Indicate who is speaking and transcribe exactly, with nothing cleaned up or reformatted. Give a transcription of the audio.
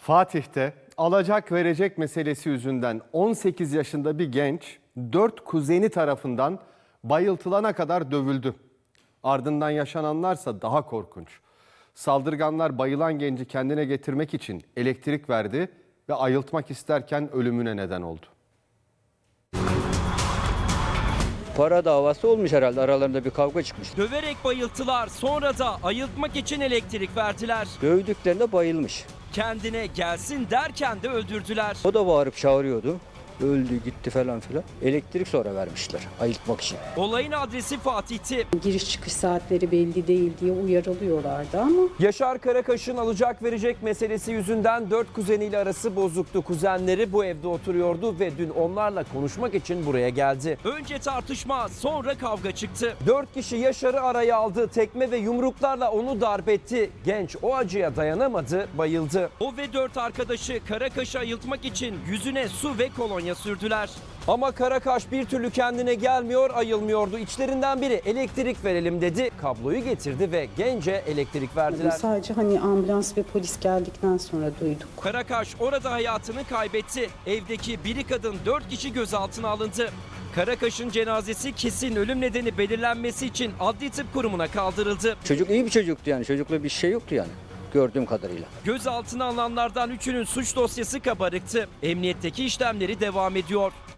Speaker 1: Fatih'te alacak verecek meselesi yüzünden on sekiz yaşında bir genç dört kuzeni tarafından bayıltılana kadar dövüldü. Ardından yaşananlarsa daha korkunç. Saldırganlar bayılan genci kendine getirmek için elektrik verdi ve ayıltmak isterken ölümüne neden oldu.
Speaker 2: Para davası olmuş herhalde, aralarında bir kavga çıkmış.
Speaker 3: Döverek bayılttılar, sonra da ayıltmak için elektrik verdiler.
Speaker 2: Dövdüklerinde bayılmış.
Speaker 3: Kendine gelsin derken de öldürdüler.
Speaker 2: O da bağırıp çağırıyordu. Öldü gitti falan filan. Elektrik sonra vermişler ayıltmak için.
Speaker 3: Olayın adresi Fatih'ti.
Speaker 4: Giriş çıkış saatleri belli değil diye uyarılıyorlardı ama
Speaker 3: Yaşar Karakaş'ın alacak verecek meselesi yüzünden dört kuzeniyle arası bozuktu. Kuzenleri bu evde oturuyordu ve dün onlarla konuşmak için buraya geldi. Önce tartışma, sonra kavga çıktı. Dört kişi Yaşar'ı araya aldı. Tekme ve yumruklarla onu darp etti. Genç o acıya dayanamadı, bayıldı. O ve dört arkadaşı Karakaş'ı ayıltmak için yüzüne su ve kolonya sürdüler. Ama Karakaş bir türlü kendine gelmiyor, ayılmıyordu. İçlerinden biri elektrik verelim dedi. Kabloyu getirdi ve gence elektrik verdiler.
Speaker 4: sadece hani ambulans ve polis geldikten sonra duyduk.
Speaker 3: Karakaş orada hayatını kaybetti. Evdeki biri kadın dört kişi gözaltına alındı. Karakaş'ın cenazesi kesin ölüm nedeni belirlenmesi için Adli Tıp Kurumu'na kaldırıldı.
Speaker 2: Çocuk iyi bir çocuktu yani, çocukla bir şey yoktu yani gördüğüm kadarıyla.
Speaker 3: Gözaltına alınanlardan üçünün suç dosyası kabarıktı. Emniyetteki işlemleri devam ediyor.